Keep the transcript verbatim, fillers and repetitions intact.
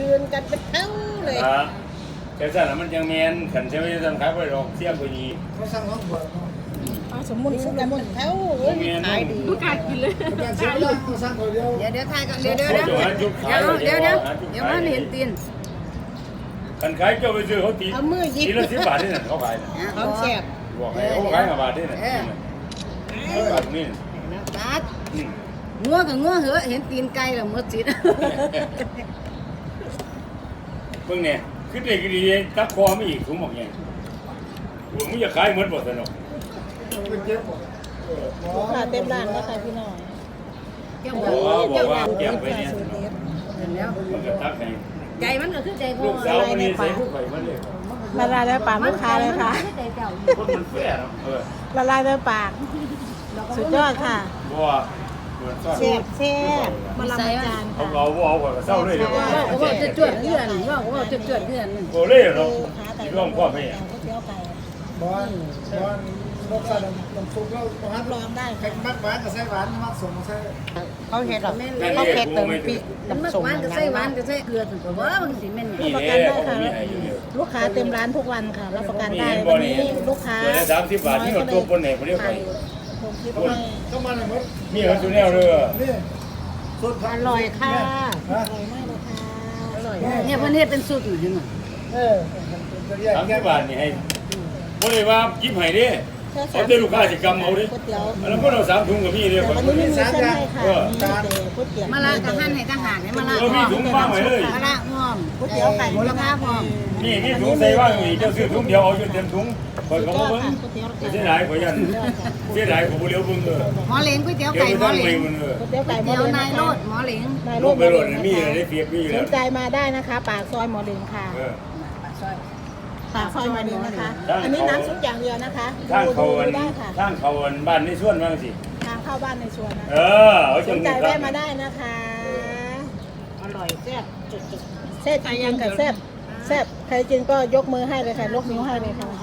ยืนกันเป็นเท่าเลยแต่สั่นมันยังแมนขันเชื่อว่าจะทำขายไปหรอกเสียกว่านี้เขาสั่งน้องหัวสมมุติสมมุติเท่าขายดีผู้กากินเลยการเสียเวลาเขาสั่งเขาเดียวเดี๋ยวเดี๋ยวทายกันเดี๋ยวเดี๋ยวเดี๋ยวเดี๋ยวเดี๋ยวเดี๋ยวมันเห็นตีนขันขายเจ้าไปซื้อเขาตีเอามือยิบทีละสิบบาทนี่น่ะเขาขายเขาแซ่บบอกให้เขาขายมาบาทนี่น่ะบาทนี่ตัดงัวกับงัวเหอะเห็นตีนไก่แล้วหมดสิทธิ์เพิ่งเนี่ยขึ้นได้กี่ดีตักคอไม่อีกถุงบอกไงหัวมึงจะขายเหมือนบ่สนุกลูกค้าเต็มร้านแล้วค่ะพี่น้องเจ้าบอกว่าเก็บไปเนี่ยมันก็ตักให้ใจมันก็คือใจพ่อลูกสาวคนนี้ใส่ผู้ไข่มันเลยละลายในปากลูกค้าเลยค่ะคนมันแฝงเออละลายในปากสุดยอดค่ะบัวแซ่บแซ่บมาลำจานเขาเราบัวเอาก็เศร้าเลยเดี๋ยวว่าว่าจะจวดเพื่อนว่าว่าจะจวดเพื่อนโอ้เล่เนาะที่ร่องพ่อไม่บอลบอลรสชาติน้ำซุปแล้วฮัทลองได้แข็งมากหวานกับไส้หวานมักส่งมาใส่เขาเห็ดหรอเขาเห็ดเติมปีกมันหวานกับไส้หวานกับไส้เกลือถึงกับว่าบางทีมันรับประกันได้ค่ะลูกค้าเต็มร้านทุกวันค่ะรับประกันได้วันนี้ลูกค้าสามสิบบาทที่เราตัวคนไหนเขาเรียกไปก็มาเลยมั้งมีเขาตัวแนวเลยนี่สุดอร่อยค่ะอร่อยมากเลยค่ะอร่อยเนี่ยเพื่อนเฮ็ดเป็นสูตรอยู่มั้งเออสามสิบบาทนี่ให้บ่ได้ว่ายิ้มให้ดิเอาแต่ลูกค้าสิกรรมเอาดิแล้วก็เราสามถุงกับพี่เลยวันนี้มีเส้นให้ค่ะมาละกับท่านให้ทหารให้มาละเรามีถุงบ้างไหมเลยมาละงอมก๋วยเตี๋ยวไก่มูลค่าพร้อมนี่นี่ถุงใส่ว่างอยู่เจ้าซื้อถุงเดียวเอาจนเต็มถุงคอยเขาเบิ้งเสียดายขอยันเสียดายผมเลี้ยวเบิ้งเลยหมอเหลงก๋วยเตี๋ยวไก่หมอเหลงก๋วยเตี๋ยวไก่เตี๋ยวนายโรดหมอเหลงนายโรดไปโรดมีอะไรได้เปียกมีอยู่แล้วสนใจมาได้นะคะปากซอยหมอเหลงค่ะปากซอยหมอเหลงนะคะอันนี้น้ำซุปอย่างเดียวนะคะทางเขาได้ค่ะทางเขาบ้านในสวนบ้างสิทางเข้าบ้านในสวนนะเออสนใจแวะมาได้นะคะอร่อยแซ่บจุดๆแซ่บจริงๆค่ะแซ่บแซ่บใครกินก็ยกมือให้เลยค่ะยกนิ้วให้เลยค่ะ